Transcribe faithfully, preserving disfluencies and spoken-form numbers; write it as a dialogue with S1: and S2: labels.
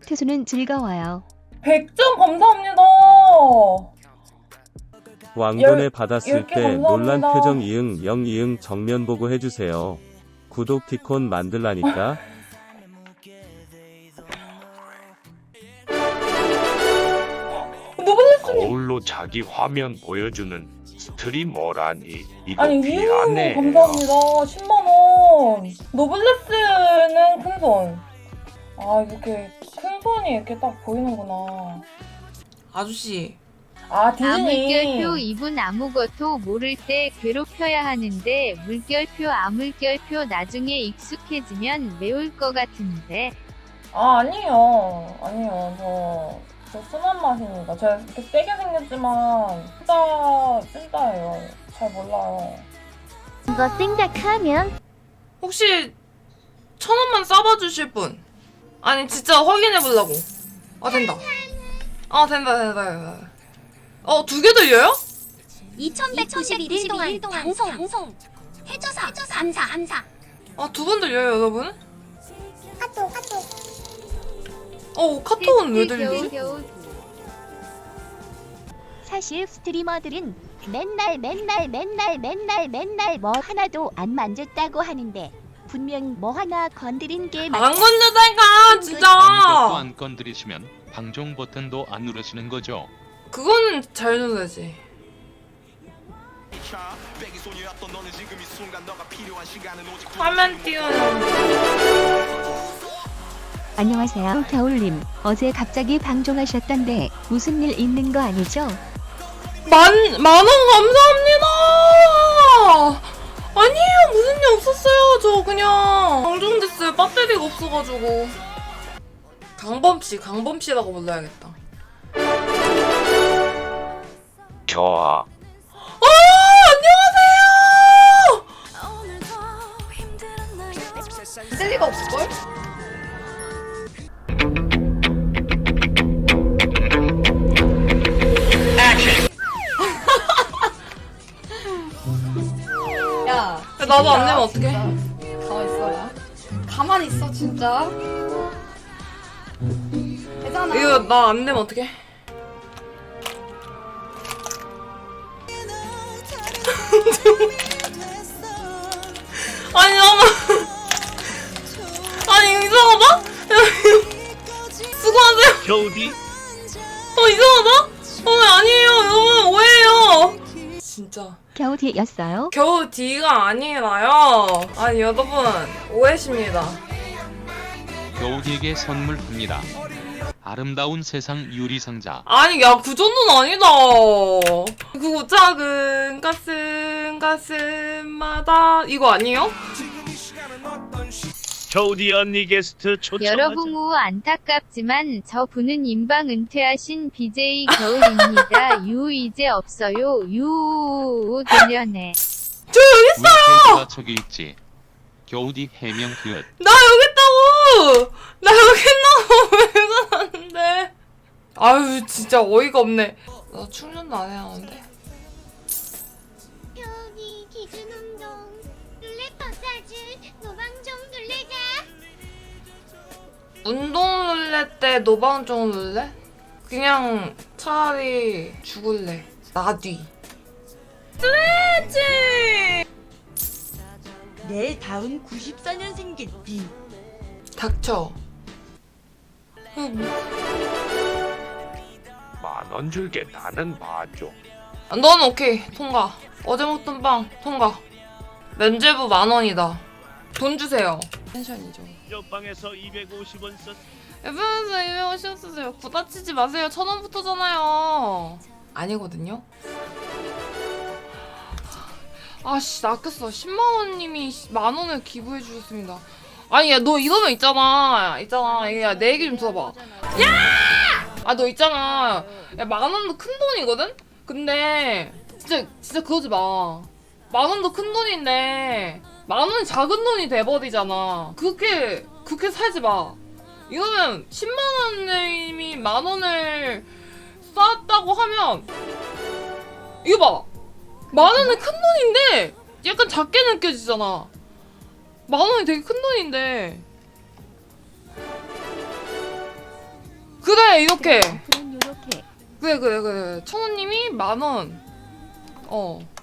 S1: 투수는 즐거워요.
S2: 백 점 감사합니다.
S3: 왕돈에
S2: 열-
S3: 받았을
S2: 열 개
S3: 때
S2: 감사합니다.
S3: 논란 표정 이응 영 이응 정면 보고 해주세요. 구독 티콘 만들라니까.
S2: 노블레스
S4: 거울로 자기 화면 보여주는 스트리머라니 이거
S2: 아니 이응
S4: 미안해.
S2: 감사합니다. 십만 원. 노블레스는 큰 손. 아 이렇게 큰 손이 이렇게 딱 보이는구나.
S5: 아저씨,
S2: 아 디즈니.
S6: 아물결표 이분 아무것도 모를 때 괴롭혀야 하는데 물결표 아물결표 나중에 익숙해지면 매울 것 같은데.
S2: 아 아니에요. 아니에요. 저, 저 순한 맛입니다. 제가 이렇게 세게 생겼지만 진짜 찐따예요. 잘 몰라요.
S1: 이거 생각하면
S5: 혹시 천 원만 싸봐 주실 분? 아니 진짜 확인해 보려고. 아 된다. 아 된다 된다 된다. 어 두 개 들려요?
S7: 이천백구십일 일 동안 방송 방송 해줘서 감사 감사.
S5: 아 두 번 들려요 여러분?
S7: 카톡 카톡.
S5: 어 카톡은 왜 들리지?
S6: 겨우
S1: 사실 스트리머들은 맨날 맨날 맨날 맨날 맨날 뭐 하나도 안 만졌다고 하는데 분명 뭐 하나 건드린 게
S5: 안 건드다니까 진짜.
S8: 아무것도 안 건드리시면 방종 버튼도 안 누르시는 거죠.
S5: 그거는 잘 눌러야지. 화면 띄우는.
S1: 안녕하세요 겨울님. 어제 갑자기 방종하셨던데 무슨 일 있는 거 아니죠?
S5: 만, 만 원 감사합니다! 아니에요, 무슨 일 없었어요. 저 그냥 방종됐어요. 배터리가 없어가지고. 강범씨, 강범씨라고 불러야겠다.
S4: 겨아
S5: 아, 안녕하세요! 쓸 리가 없을걸?
S9: 야,
S5: 야, 나도 안 내면 어떡해?
S9: 가만 있어라. 가만히 있어, 진짜. 되잖아.
S5: 이거 나 안 내면 어떡해? 아니 잠깐만. 아니 이거 이상하다? 수고하세요.
S4: 겨우디
S5: 어 이상하다? 어 아니에요 여러분 오해예요. 진짜
S1: 겨우 뒤였어요?
S5: 겨우 D가 아니라요. 아니 여러분 오해십니다.
S8: 겨우디에게 선물합니다. 아름다운 세상 유리상자.
S5: 아니 야 그 정도는 아니다. 그거 작은 가슴 가슴마다 이거 아니에요?
S4: 겨우디 언니 게스트 초청하자.
S6: 여러분 우 안타깝지만 저 분은 인방 은퇴하신 비제이 겨울입니다. 유 이제 없어요. 유 되려네.
S5: 저 여기 있어요.
S8: 왜 저기 있지? 겨우디 해명 기획.
S5: 나 여기 있다고. 나 여기 있나고 왜 그러는데? 아유 진짜 어이가 없네. 나 충전도 안 해야 하는데.
S7: 여기 기준 운동 룰렛 마사지 노방종 룰렛아.
S5: 운동 룰렛 때 노방종 룰렛? 그냥 차라리 죽을래. 나뒤. 스트레치!
S10: 내일 다운 구십사 년생겠지.
S5: 닥쳐.
S4: 만 원 줄게. 나는 봐줘.
S5: 넌 오케이. 통과. 어제 먹던 빵 통과. 면제부 만 원이다. 돈 주세요. 펜션이죠.
S4: 옆방에서 이백오십 원 썼.
S5: 에프에스 이백오십 원 쓰세요. 부다치지 마세요. 천 원부터잖아요. 아니거든요. 아씨 낚였어. 십만 원님이 만 원을 기부해 주셨습니다. 아니 야 너 이러면 있잖아. 있잖아. 야 내 얘기 좀 들어봐. 야! 아 너 있잖아. 야 만 원도 큰 돈이거든? 근데 진짜 진짜 그러지 마. 만 원도 큰 돈인데 만 원이 작은 돈이 돼버리잖아. 그렇게 그렇게 살지 마. 이러면 십만 원님이 만 원을 쌓았다고 하면 이거 봐. 만 원은 큰 돈인데 약간 작게 느껴지잖아. 만 원이 되게 큰 돈인데 그래 이렇게
S1: 그럼 요렇게
S5: 그래 그래 그래 천우님이 만원 어